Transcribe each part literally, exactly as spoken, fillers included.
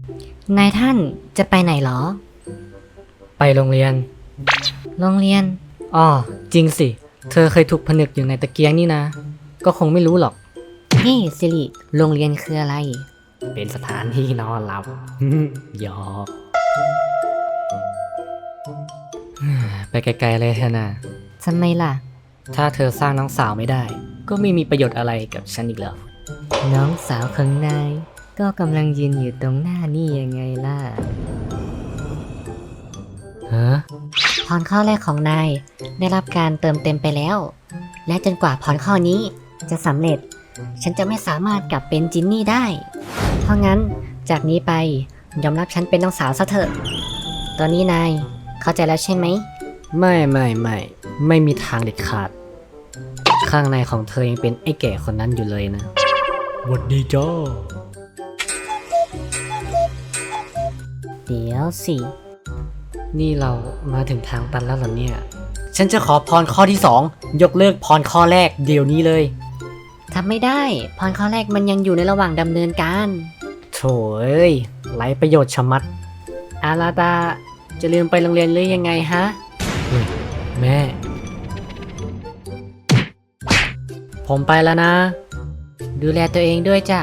นายท่านจะไปไหนหรอไปโรงเรียนโรงเรียนอ๋อจริงสิเธอเคยถูกผนึกอยู่ในตะเกียงนี่นะก็คงไม่รู้หรอกนี่สิริโรงเรียนคืออะไรเป็นสถานที่นอนหลับ หยอกไปไกลๆเลยเถอะนะทำไมล่ะถ้าเธอสร้างน้องสาวไม่ได้ก็ไม่มีประโยชน์อะไรกับฉันอีกแล้วน้องสาวของนายก็กำลังยืนอยู่ตรงหน้านี่ยังไงล่ะฮะพรข้อแรกของนายได้รับการเติมเต็มไปแล้วและจนกว่าพรข้อนี้จะสำเร็จฉันจะไม่สามารถกลับเป็นจินนี่ได้เพราะงั้นจากนี้ไปยอมรับฉันเป็นน้องสาวซะเถอะตอนนี้นายเข้าใจแล้วใช่ไหมไม่ไม่ไม่ไม่มีทางเด็ดขาดข้างในของเธอยังเป็นไอ้แก่คนนั้นอยู่เลยนะหวัดดีจ้าเดี๋ยวสินี่เรามาถึงทางตันแล้วเหรอเนี่ยฉันจะขอพรข้อที่สองยกเลิกพรข้อแรกเดี๋ยวนี้เลยทำไม่ได้พรข้อแรกมันยังอยู่ในระหว่างดำเนินการโถ่เอ้ยไร้ประโยชน์ชะมัดอาราตาจะลืมไปโรงเรียนหรือยังไงฮะแม่ผมไปแล้วนะดูแลตัวเองด้วยจ้ะ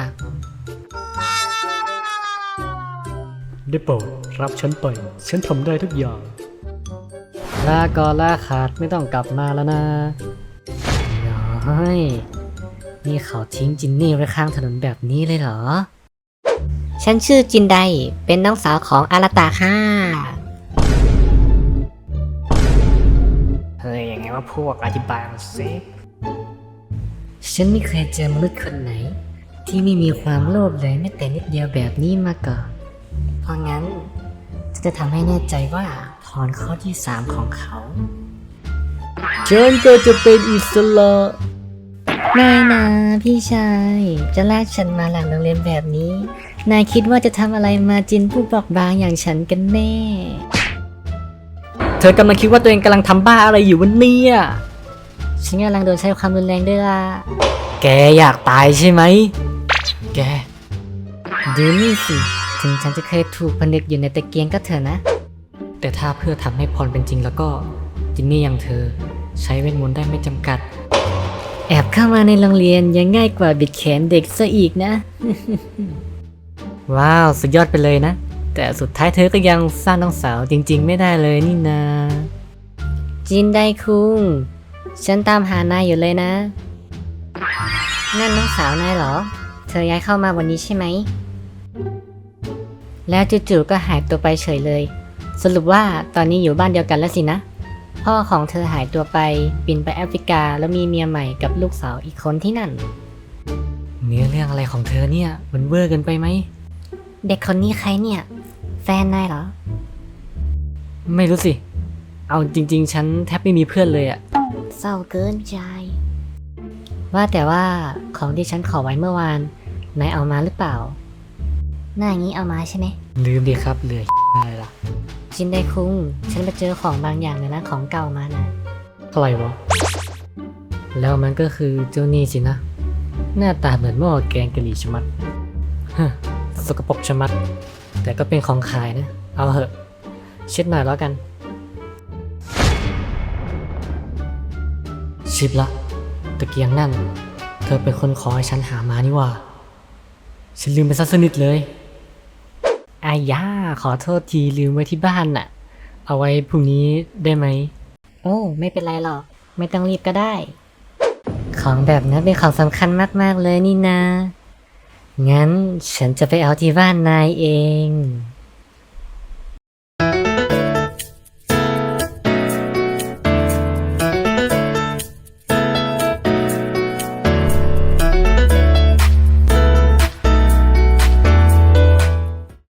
ได้โปรดรับฉันไปฉันทำได้ทุกอย่างลาก่อนลาขาดไม่ต้องกลับมาแล้วนะน้อยนี่เขาทิ้งจินนี่ไว้ข้างถนนแบบนี้เลยเหรอฉันชื่อจินไดเป็นน้องสาวของอาราตาค่ะเฮ้ยยังไงว่าพวกอธิบายมาสิฉันไม่เคยเจอมนุษย์คนไหนที่ไม่มีความโลภเลยแม้แต่นิดเดียวแบบนี้มาก่อนเพราะงั้นจะทำให้แน่ใจว่าพรข้อที่สามของเขาฉันก็จะเป็นอิสระไม่นะพี่ชายจะลากฉันมาหลังโรงเรียนแบบนี้นายคิดว่าจะทำอะไรมาจินผู้บอกบางอย่างฉันกันแน่เธอกำลังคิดว่าตัวเองกำลังทำบ้าอะไรอยู่วันนี้ฉันกำลังโดนใช้ความรุนแรงด้วยล่ะแกอยากตายใช่ไหมแกดูนี่สิถึงฉันจะเคยถูกผนึกอยู่ในตะเกียงก็เถอะนะแต่ถ้าเพื่อทำให้พรเป็นจริงแล้วก็จินนี่อย่างเธอใช้เวทมนต์ได้ไม่จำกัดแอบเข้ามาในโรงเรียนยังง่ายกว่าบิดแขนเด็กซะอีกนะว้าวสุดยอดไปเลยนะแต่สุดท้ายเธอก็ยังสร้างน้องสาวจริงๆไม่ได้เลยนี่นาจินไดคุงฉันตามหานายอยู่เลยนะนั่นน้องสาวนายเหรอเธอย้ายเข้ามาวันนี้ใช่ไหมแล้วจู่ๆก็หายตัวไปเฉยเลยสรุปว่าตอนนี้อยู่บ้านเดียวกันแล้วสินะพ่อของเธอหายตัวไปบินไปแอฟริกาแล้วมีเมียใหม่กับลูกสาวอีกคนที่นั่นเนื้อเรื่องอะไรของเธอเนี่ยมันเวอร์เกินไปไหมเด็กคนนี้ใครเนี่ยแฟนนายเหรอไม่รู้สิเอาจริงๆฉันแทบไม่มีเพื่อนเลยอะเศร้าเกินใจว่าแต่ว่าของที่ฉันขอไว้เมื่อวานนายเอามาหรือเปล่าหน้างี้เอามาใช่ไหมลืมดิครับเหลืออะไรล่ะจินไดคุงฉันไปเจอของบางอย่างเลยนะของเก่ามานะอะไรวะแล้วมันก็คือเจ้านี่สินะหน้าตาเหมือนหม้อแกงกะหรี่ชะมัดฮะสกปรกชะมัดแต่ก็เป็นของขายนะเอาเหอะเช็ดหน่อยแล้วกันชิบละตะเกียงนั่นเธอเป็นคนขอให้ฉันหามานี่ว่าฉันลืมไปซะสนิทเลยอายาขอโทษทีลืมไว้ที่บ้านน่ะเอาไว้พรุ่งนี้ได้ไหมโอ้ไม่เป็นไรหรอกไม่ต้องรีบก็ได้ของแบบนั้นเป็นของสำคัญมากๆเลยนี่นะงั้นฉันจะไปเอาที่บ้านนายเอง